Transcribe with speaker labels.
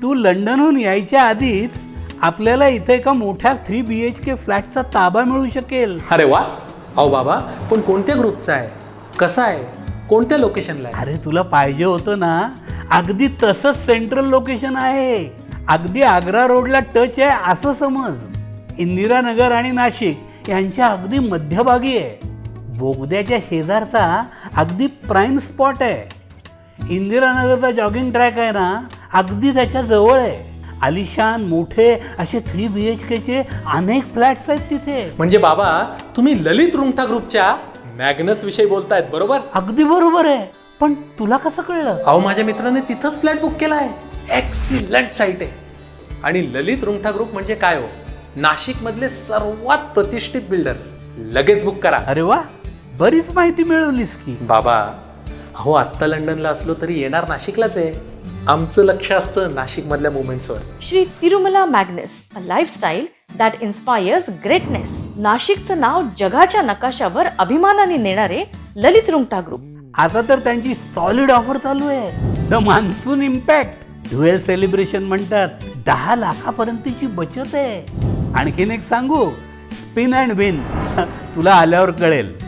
Speaker 1: तू लंडनहून यायच्या आधीच आपल्याला इथे एका मोठ्या 3 BHK फ्लॅटचा ताबा मिळू शकेल.
Speaker 2: अरे वा. अहो बाबा, पण कोणत्या ग्रुपचा आहे, कसा आहे, कोणत्या लोकेशनला आहे?
Speaker 1: अरे तुला पाहिजे होतं ना, अगदी तसंच सेंट्रल लोकेशन आहे. अगदी आग्रा रोडला टच आहे असं समज. इंदिरानगर आणि नाशिक यांच्या अगदी मध्यभागी आहे. बोगद्याच्या शेजारचा अगदी प्राईम स्पॉट आहे. इंदिरानगरचा जॉगिंग ट्रॅक आहे ना, अगदी त्याच्या जवळ आहे. आलिशान मोठे असे 3 BHKचे अनेक फ्लॅट्स आहेत तिथे.
Speaker 2: म्हणजे बाबा, तुम्ही ललित रुंगटा ग्रुपच्या मॅग्नस विषयी बोलतायत, बरोबर?
Speaker 1: अगदी बरोबर आहे. पण तुला कसं कळलं?
Speaker 2: अहो, माझ्या मित्राने तिथंच फ्लॅट बुक केला आहे. एक्सिलंट साईट आहे. आणि ललित रुंगटा ग्रुप म्हणजे काय हो, नाशिक मधले सर्वात प्रतिष्ठित बिल्डर्स. लगेच बुक करा.
Speaker 1: अरे वा, बरीच माहिती मिळवलीस की.
Speaker 2: बाबा, अहो आत्ता लंडनला असलो तरी येणार नाशिकलाच आहे. आमचं लक्ष असतं नाशिक मधल्या मुवमेंट्सवर.
Speaker 3: Shri Tirumala Magnus, a lifestyle that inspires greatness. नाशिकचं नाव जगाच्या नकाशावर अभिमानाने नेणारे ललित रुंगटा ग्रुप.
Speaker 1: आता तर त्यांची सॉलिड ऑफर चालू आहे. The monsoon impact dual celebration म्हणतात. 10 लाखापर्यंतची बचत आहे. आणखीन एक सांगू, स्पिन अँड विन. तुला आल्यावर कळेल.